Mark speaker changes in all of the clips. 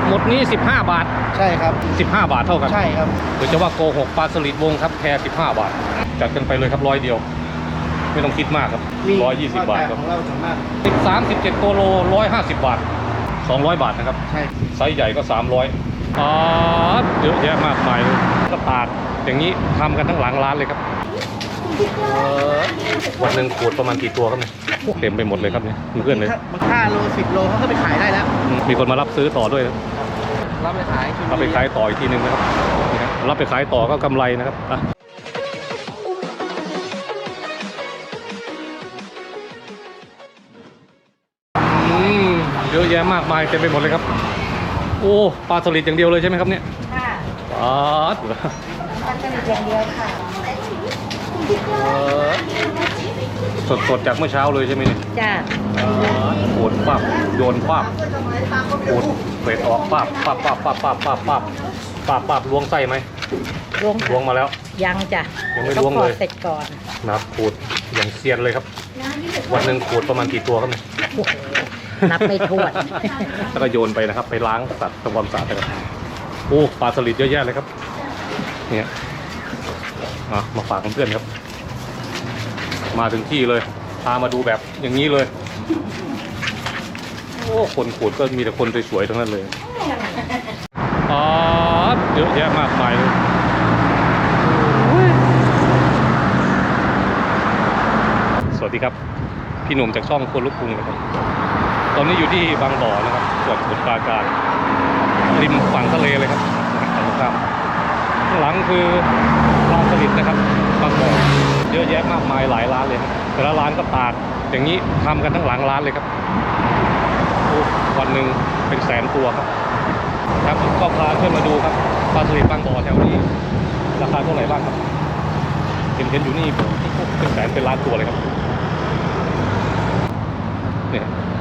Speaker 1: หมดนี้15 บาท
Speaker 2: ใช่ครับ
Speaker 1: 15 บาทเท่ากัน
Speaker 2: ใช่ครับ
Speaker 1: หรือจะว่าโกหกปลาสลิดวงครับแค่15 บาทจัดกันไปเลยครับ100 เดียวไม่ต้องคิดมากครับ120 บาทครับ
Speaker 2: ของเราสามารถ
Speaker 1: 13-17 โกโล150 บาท200 บาทนะครับ
Speaker 2: ใช่
Speaker 1: ไซส์ใหญ่ก็300เยอะแยะมากมายเลยก็ตากอย่างนี้ทำกันทั้งหลังร้านเลยครับวันหนึ่งขวดประมาณกี่ตัวครับเนี่ยเต็มไปหมดเลยครับเนี่ยเพื่อนเลย
Speaker 2: มัน5 โล 10 โลเขาก็ไปขายได้แล้ว
Speaker 1: มีคนมารับซื้อต่อด้วย
Speaker 2: รับไปขาย
Speaker 1: ต่ออีกทีนึงนะครับรับไปขายต่อก็กำไรนะครับเยอะแยะมากมายเต็มไปหมดเลยครับโอ้ปลาสลิดอย่างเดียวเลยใช่ไหมครับเนี่ย
Speaker 3: ค่ะ
Speaker 1: ปลา
Speaker 3: สลิดอย่างเดียวค่ะ
Speaker 1: สดจากเมื่อเช้าเลยใช่ไหมเนี่ย
Speaker 3: จ้า
Speaker 1: ขูดปั๊บโยนปั๊บขูดเศษออกปั๊บล้วงไส้ไหมล้วงมาแล้ว
Speaker 3: ยังจ้ะ
Speaker 1: ยังไม่ล้วงเลย
Speaker 3: เสร็จก่อน
Speaker 1: นะครับขูดอย่างเซียนเลยครับวันหนึ่งขูดประมาณกี่ตัวครับเนี่ย
Speaker 3: นับไม่ถ้วน
Speaker 1: แล้วก็โยนไปนะครับไปล้างสัตว์ทำความสะอาดนะครับโอ้ปลาสลิดเยอะแยะเลยครับเนี่ยมาฝากเพื่อนครับมาถึงที่เลยพามาดูแบบอย่างนี้เลยโอ้คนขูดก็มีแต่คนสวยๆทั้งนั้นเลยเยอะแยะมากมายเลยสวัสดีครับพี่หนุ่มจากช่องคนลุกกรุงนะครับตอนนี้อยู่ที่บางบ่อนะครับจังหวัดสมุทรปราการริมฝั่งทะเลเลยครับตรงข้ามข้างหลังคือปลาสลิดนะครับบางบ่อเยอะแยะมากมายหลายร้านเลยครับแต่ละร้านก็ตากอย่างนี้ทำกันทั้งหลังร้านเลยครับวันหนึ่งเป็นแสนตัวครับก็พาเพื่อนมาดูครับปลาสลิดบางบ่อแถวนี้ราคาเท่าไหร่บ้างครับเห็นอยู่นี่เป็นแสนเป็นล้านตัวเลยครับเนี่ย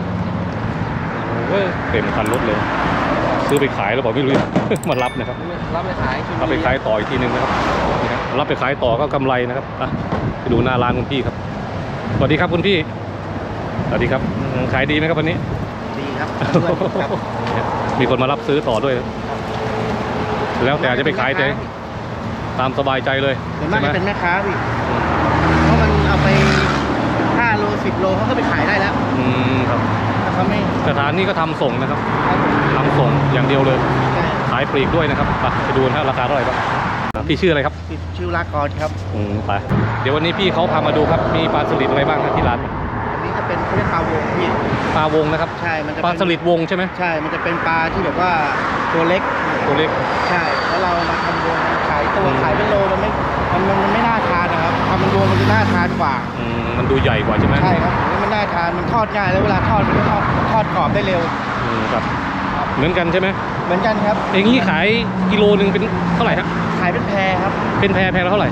Speaker 1: เต็มคันรถเลยซื้อไปขายแล้วบอกไม่รู้ มารับนะครับ
Speaker 2: รับไป
Speaker 1: ขายต่ออีกทีนึงนะครับรับไปขายต่อก็กำไรนะครับไปดูหน้าร้านคุณพี่ครับสวัสดีครับคุณพี่สวัสดีครับขายดีไหมครับวันนี้
Speaker 2: ดีครับ
Speaker 1: มีคนมารับซื้อต่อด้วยแล้วแต่จะไปขายใจตามสบายใจเลย
Speaker 2: ใช่ไหมเป็นแม่ค้าพี่เพราะมันเอาไป5 โล 10 โลเขาก็ไปขายได้แล้ว
Speaker 1: ครับสถานนี้ก็ทำส่งนะครับทำส่งอย่างเดียวเลยขายปลีกด้วยนะครับไปดูนะราคาเท่าไหร่ครับพี่ชื่ออะไรครับ
Speaker 2: ชื่อลากรครับ
Speaker 1: ไปเดี๋ยววันนี้พี่เขาพามาดูครับมีปลาสลิดอะไรบ้างครับที่ร้าน
Speaker 2: อันนี้จะเป็นเรียกปลาวงพี่
Speaker 1: ปลาวงนะครับ
Speaker 2: ใช่มันจะ
Speaker 1: ปลาสลิดวงใช่ไหม
Speaker 2: ใช่มันจะเป็นปลาที่แบบว่าตัวเล็กใช่แล้วเรามาทำวงขายเป็นโลมันไม่น่าทานนะครับทำเป็นวงมันจะน่าทานกว่า
Speaker 1: มันดูใหญ่กว่าใช่ไหม
Speaker 2: ใช่ครับมันน่าทานมันทอดง่ายแล้วเวลาทอดมันก็ทอดกรอบได้เร็ว
Speaker 1: ครับเหมือนกันใช่ไหม
Speaker 2: เหมือนกันครับ
Speaker 1: อย่างนี้ขายกิโลนึงเป็นเท่าไหร่ครับ
Speaker 2: ขายเป็นแพรครับ
Speaker 1: เป็นแพรละเท่าไหร่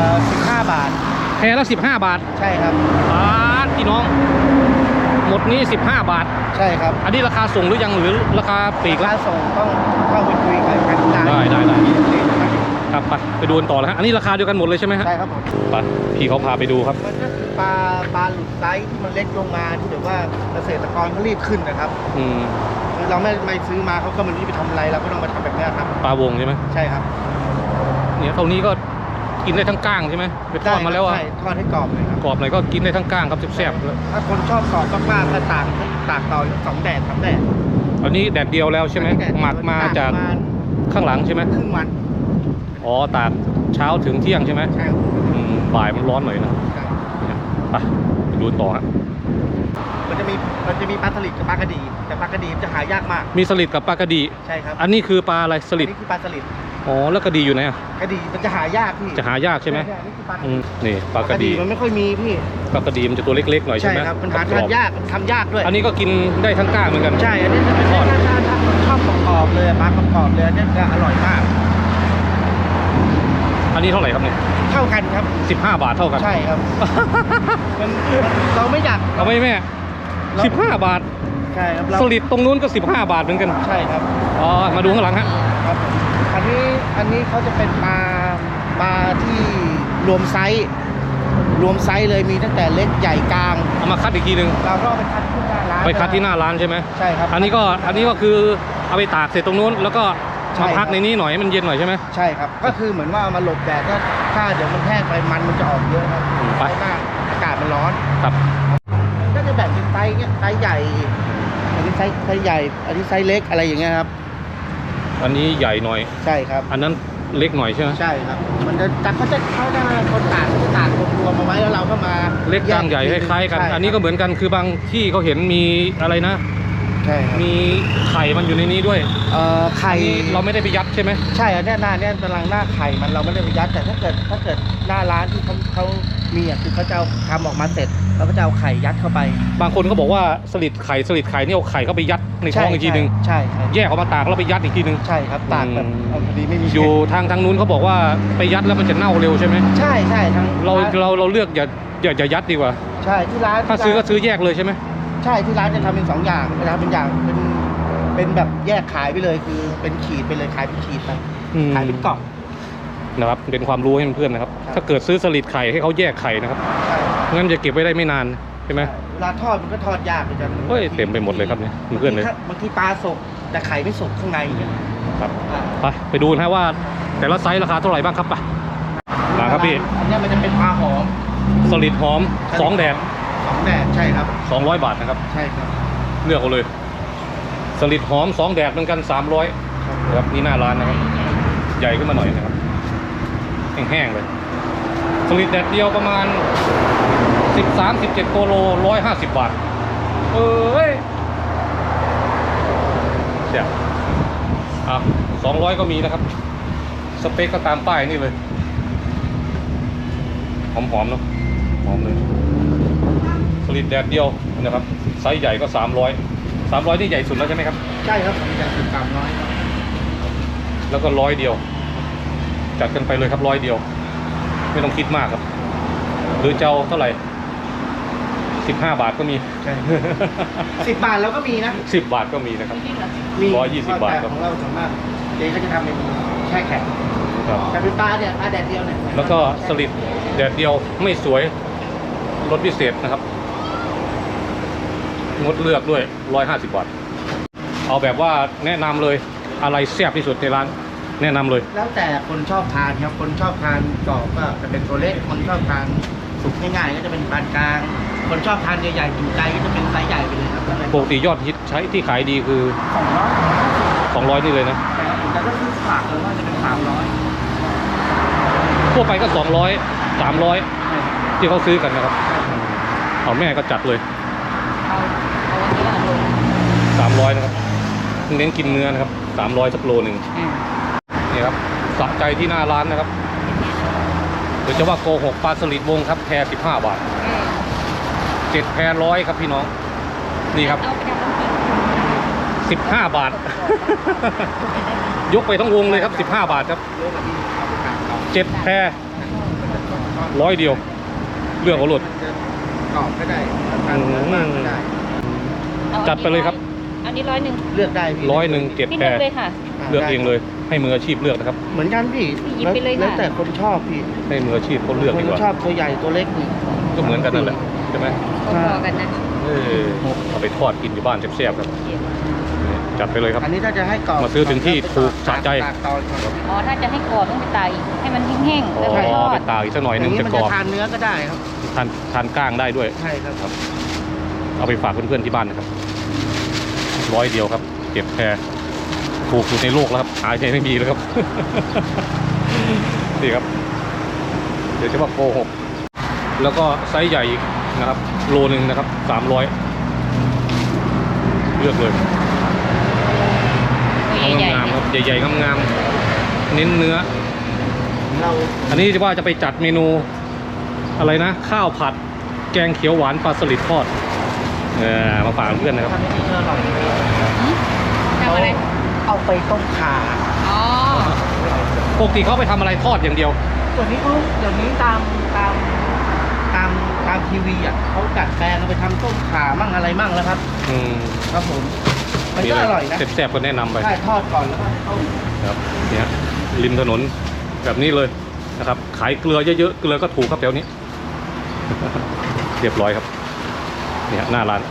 Speaker 2: 15 บาท
Speaker 1: แพรละ15 บาท
Speaker 2: ใช่ครับ
Speaker 1: พี่น้องหมดนี้15 บาท
Speaker 2: ใช่ครับ
Speaker 1: อันนี้ราคาส่งหรือยังหรือราคาปลีก
Speaker 2: ราคาส่งต้องเข้าไปคุยกัน
Speaker 1: ได้ครับไปดูกันต่อแล้วฮะอันนี้ราคาเดียวกันหมดเลยใช่ไหมฮะ
Speaker 2: ใช่ครับผม
Speaker 1: ไปพี่เขาพาไปดูครับ
Speaker 2: มันก็คือปลาหลุดไซส์ที่มันเล็กลงมาที่แบบว่าเกษตรกรเขารีบขึ้นนะครับเราไม่ซื้อมาเขาก็มันรีบไปทำอะไรเราก็ต้องมาทำแบบนี้ครับ
Speaker 1: ปลาวงใช่ไหม
Speaker 2: ใช่ครับ
Speaker 1: เนี่ยเท่านี้ก็กินได้ทั้งก้างใช่ไหมไปทอดมาแล้ว
Speaker 2: ทอดให้กรอบเลยครับ
Speaker 1: กรอบหน่อยก็กินได้ทั้งก้างครับแซ่บ
Speaker 2: ถ้าคนชอบกรอบมากๆก็ตากต่อ2 แดด 3 แดด
Speaker 1: อันนี้แดดเดียวแล้วใช่ไหมหมักมาจากข้างหลังใช่ไหม
Speaker 2: ครึ่งวัน
Speaker 1: ตากเช้าถึงเที่ยงใช่ไหม
Speaker 2: ใช่
Speaker 1: บ่ายมันร้อนหน่อยนะไปดูต่อฮะ
Speaker 2: มันจะมีปลาสลิดกับปลากระดีแต่ปลากระดีจะหายากมาก
Speaker 1: มีสลิดกับปลากระดี
Speaker 2: ใช่ครับ
Speaker 1: อันนี้คือปลาอะไรสลิด
Speaker 2: นี่คือปลาสลิด
Speaker 1: แล้วกระดีอยู่ไหน
Speaker 2: กระดีมันจะหายากพี่
Speaker 1: จะหายากใช่ไหมนี่ปลากระดี
Speaker 2: มันไม่ค่อยมีพี่
Speaker 1: ปลากระดีมันจะตัวเล็กๆหน่อยใช่ไหม
Speaker 2: ใช่ครับมันหาทานยากทำยากด้วย
Speaker 1: อันนี้ก็กินได้ทั้งก้างเหมือนกัน
Speaker 2: ใช่อันนี้จะเป็นทอดถ้าคนชอบกรอบเลยปลากรอบเลยนี่จะอร่อยมาก
Speaker 1: อันนี้เท่าไหร่ครับเนี่ย
Speaker 2: เท่ากันครับ
Speaker 1: 15 บาทเท่ากัน
Speaker 2: ใช่ครับเราไม่อยาก
Speaker 1: เอาไม่แม่15 บาท
Speaker 2: ใช่ครับ
Speaker 1: สลิดตรงนู้นก็15 บาทเหมือนกัน
Speaker 2: ใช่ครับ
Speaker 1: มาดูข้างหลังฮะ
Speaker 2: ครับอันนี้เขาจะเป็นปลาที่รวมไซส์รวมไซส์เลยมีตั้งแต่เล็กใหญ่กลาง
Speaker 1: เอามาคัดอีกทีหนึ่ง
Speaker 2: เราก็เอาไปคัดที่หน้าร้าน
Speaker 1: ไปคัดที่หน้าร้านใช่ไหม
Speaker 2: ใช่ครับ
Speaker 1: อันนี้ก็คือเอาไปตากเสร็จตรงนู้นแล้วก็
Speaker 2: ใช่
Speaker 1: มา
Speaker 2: ครับ
Speaker 1: พักในนี้หน่อยให้มันเย็นหน่อยใช่ไหม
Speaker 2: ใช่ครับก็คือเหมือนว่าเอามาหลบแดดถ้าเดี๋ยวมันแห้งไปมันจะออกเยอะครับ
Speaker 1: ไป
Speaker 2: เพราะว่าอากาศมันร้อน
Speaker 1: ครับ
Speaker 2: ก็จะแบ่งเป็นไซส์เงี้ยไซส์ใหญ่ อันนี้ไซส์ใหญ่ อันนี้ไซส์เล็กอะไรอย่างเงี้ยครับ
Speaker 1: อันนี้ใหญ่หน่อย
Speaker 2: ใช่ครับ
Speaker 1: อันนั้นเล็กหน่อยใช่ไหม
Speaker 2: ใช่ครับ มันจะจับเขาจะคนตากเขาจะตากรวมๆมาไว้แล้วเราก็มา
Speaker 1: เล็กกลางใหญ่คล้ายๆกัน
Speaker 2: ใช่
Speaker 1: อันนี้ก็เหมือนกันคือบางที่เขาเห็นมีอะไรนะ
Speaker 2: ใช่ครับ
Speaker 1: มีไข่มันอยู่ในนี้ด้วย
Speaker 2: ไข่
Speaker 1: อันนี้เราไม่ได้ไปยัดใช่ไหม
Speaker 2: ใช่อันเนี้ยหน้าเนี่ยกำลังหน้าไข่มันเราไม่ได้ไปยัดแต่ถ้าเกิดหน้าร้านที่เขามีอ่ะคือเขาจะเอาทำออกมาเสร็จแล้วก็จะเอาไข่ยัดเข้าไป
Speaker 1: บางคนก็บอกว่าสลิดไข่นี่เอาไข่เข้าไปยัดในท้องอีกทีหนึ่ง
Speaker 2: ใช่ใช่
Speaker 1: แยกออกมาตากแล้วไปยัดอีกทีหนึ่ง
Speaker 2: ใช่ครับตากแบบเอาพอดีไม่มี
Speaker 1: อยู่ทางนู้นเขาบอกว่าไปยัดแล้วมันจะเน่าเร็วใช่ไหม
Speaker 2: ใช่ทั้ง
Speaker 1: เราเลือกอย่ายัดดีกว่า
Speaker 2: ใช่ที่ร้าน
Speaker 1: ถ้าซื้อก็ซื้อแยกเลยใช่ไหม
Speaker 2: ใช่ที่ร้านจะทำเป็น2อย่างจะทำเป็นอย่างเป็นแบบแยกขายไปเลยคือเป็นขีดไปเลยขายเป็นขีดไปขายเป็นกล่อง
Speaker 1: นะครับเป็นความรู้ให้เพื่อนๆนะครับ
Speaker 2: ครับ
Speaker 1: ถ้าเกิดซื้อสลิดไข่ให้เขาแยกไข่นะครับ
Speaker 2: ใช่
Speaker 1: งั้นจะเก็บไว้ได้ไม่นานใช่ไหม
Speaker 2: เวลาทอดมันก็ทอดยากเหมือนกัน
Speaker 1: เฮ้ยเต็มไปหมดเลยครับเนี่ยเพื่อนๆเลย
Speaker 2: บางทีปลาสุกแต่ไข่ไม่สุกข้างในอย่างเงี้ย
Speaker 1: ครับ
Speaker 2: อ่า
Speaker 1: ไปดูนะว่าแต่ละไซส์ราคาเท่าไหร่บ้างครับไปมาครับพี่
Speaker 2: อันเนี้ยมันจะเป็นปลาหอม
Speaker 1: สลิดหอม2แดด
Speaker 2: 2 แดดใช่ครับ
Speaker 1: 200 บาทนะครับ
Speaker 2: ใช่ครับ
Speaker 1: เลือกเอาเลย สลิดหอม2แดดเหมือนกัน300นะครับนี่หน้าร้านนะครับ ใหญ่ขึ้นมาหน่อยนะครับแห้งๆเลยสลิดแดดเดียวประมาณ13-17 โกโล150 บาทเอ้ยเดี๋ยว200ก็มีนะครับ สเปคก็ตามป้ายนี่เลยหอมๆเนาะหอมเลยสลิดแดดเดียวนะครับไซส์ใหญ่ก็300นี่ใหญ่สุดแล้วใช่ไหมครับ
Speaker 2: ใช่ครับผมจะติดตามน้อยครับ
Speaker 1: แล้วก็100เดียวจัดกันไปเลยครับ100เดียวไม่ต้องคิดมากครับหรือเจ้าเท่าไหร่15 บาทก็มี
Speaker 2: ใช่10 บาทแล้วก็มีนะ
Speaker 1: 10 บาทก็มีนะครับ
Speaker 2: มี
Speaker 1: 120 บาทครับ
Speaker 2: ของเราส่วนมากเจ๊ก็จะทำเป็นแช่แข็ง
Speaker 1: ครับ
Speaker 2: แต่เป็นปลาเนี่ยปลาแดดเดียวเนี่ย
Speaker 1: แล้วก็สลิดแดดเดียวไม่สวยลดพิเศษนะครับงดเลือกด้วย150 บาทเอาแบบว่าแนะนำเลยอะไรแซ่บที่สุดในร้านแนะนำเลย
Speaker 2: แล้วแต่คนชอบทานครับคนชอบทานกรอบก็จะเป็นตัวเล็กคนชอบทานสุกง่ายๆก็จะเป็นปานกลาง คนชอบทานใหญ่ๆจุใจก็จะเป็นไซส์ใหญ่ไปเลยครับ
Speaker 1: ปกติยอดฮิตใช้ที่ขายดีคือ 200นี่เลยนะ
Speaker 2: แต่ถ้าซื้อฝากเลยว่าจะเป็น300
Speaker 1: ทั่วไปก็200 300ที่เขาซื้อกันนะครับเอาแม่ก็จัดเลย
Speaker 3: เอาอันนี้ละลง
Speaker 1: 300นะครับเน้นกินเนื้อนะครับ300สักโลหนึ่งนี่ครับสะใจที่หน้าร้านนะครับหรือจะว่าโกหกปลาสลิดวงครับแพร15 บาท7แพร100ครับพี่น้องนี่ครับ
Speaker 3: เอาไปทำน้ำพริก
Speaker 1: 15 บาท ยกไปทั้งวงเลยครับ15 บาทครับ7แพร100เดียวเลือกเอาหลุด
Speaker 2: กรอบก็ได้ทานมากก็ได้
Speaker 1: จัดไปเลยครับ
Speaker 3: อันนี้100
Speaker 2: เลือกได้พี่
Speaker 1: 100 7
Speaker 3: พี่
Speaker 1: แพร
Speaker 3: เลือกเลยค่ะ
Speaker 1: เลือกเองเลยให้มืออาชีพเลือกนะครับ
Speaker 2: เหมือนกันพี่
Speaker 3: หยิบไปเลยค่ะ
Speaker 2: แล้วแต่คนชอบพี่
Speaker 1: ให้มืออาชีพเขาเลือก
Speaker 2: ค
Speaker 1: ดี
Speaker 2: น
Speaker 1: กว่า
Speaker 2: ชอบตัวใหญ่ตัวเล็กนี่
Speaker 1: ก็เหมือนกันนั่นแหละใช่ไหม
Speaker 3: พอๆกันนะ
Speaker 1: เอาไปทอดกินอยู่บ้านแซ่บๆครับจัดไปเลยครับ
Speaker 2: อันนี้ถ้าจะให้กรอบ
Speaker 1: มาซื้อถึงที่ถูกสะใจ
Speaker 2: ตากตอนก่อน
Speaker 3: อ๋อ ถ้าจะให้กรอบต้องไปตากอีกให้มันแห้งๆ
Speaker 1: อ๋
Speaker 3: แล้วก็ท
Speaker 1: อ
Speaker 3: อ
Speaker 1: ไป
Speaker 3: ด
Speaker 1: ตากอีกสักหน่อย
Speaker 2: อ
Speaker 1: นึ
Speaker 2: ย่าง งนี้
Speaker 1: จะ
Speaker 2: มัน
Speaker 1: กร
Speaker 2: จะ
Speaker 1: อบ
Speaker 2: ทานเนื้อก็ได้ครับ
Speaker 1: ทานก้างได้ด้วย
Speaker 2: ใช่ครับ
Speaker 1: เอาไปฝากเพื่อนๆที่บ้านนะครับ100เดียวครับเก็บแพรถูกสุดในโลกแล้วครับหาใช้ไม่มีแล้วครับ นี่ครับเดี๋ยวจะว่าโกหกแล้วก็ไซส์ใหญ่อีกนะครับโลนึงนะครับ300เลือกเลย
Speaker 3: ตัวใหญ่
Speaker 1: งาม
Speaker 3: ๆ
Speaker 1: ๆครับใหญ่ๆงามๆเน้นเนื้อ
Speaker 2: เรา
Speaker 1: อันนี้ว่าจะไปจัดเมนูอะไรนะ ข้าวผัดแกงเขียวหวานปลาสลิดทอดมาฝากเพื่อนนะครับ
Speaker 2: ทำให้เนื้ออร่อย
Speaker 3: ทำอะไร
Speaker 2: เอาไปต้มข่า
Speaker 3: อ๋อ
Speaker 1: ปกติเขาไปทำอะไรทอดอย่างเดียว
Speaker 2: ส่วนนี้เขาเดี๋ยวนี้ตามทีวีอ่ะเขาดัดแปลงเอาไปทำต้มข่ามั่งอะไรมั่งแล้วครับ
Speaker 1: อืม
Speaker 2: ครับผมมันก็อร่อยนะ
Speaker 1: แซ่บๆก็แนะนำไป
Speaker 2: ใช่ทอดก่อนแล้วก็ต้ม
Speaker 1: ครับเนี่ยริมถนนแบบนี้เลยนะครับ ขายเกลือเยอะๆเกลือก็ถูกครับแถวนี้เรียบร้อยครับเนี่ยหน้าร้าน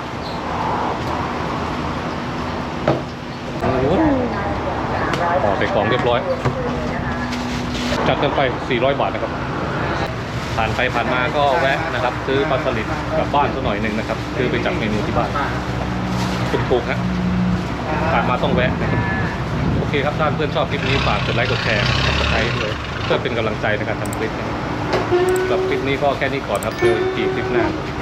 Speaker 1: โอ้โหห่อใส่กล่องเรียบร้อยจัดกันไป400 บาทนะครับผ่านไปผ่านมาก็แวะนะครับซื้อปลาสลิดกลับบ้านสักหน่อยหนึ่งนะครับซื้อไปจัดเมนูที่บ้านถูกๆฮะผ่านมาต้องแวะนะครับโอเคครับท่านเพื่อนชอบคลิปนี้ฝากกดไลค์กดแชร์กดติดตามด้วยเพื่อเป็นกำลังใจในการทำคลิปนะครับสำหรับคลิปนี้ก็แค่นี้ก่อนครับเจออีกคลิปหน้า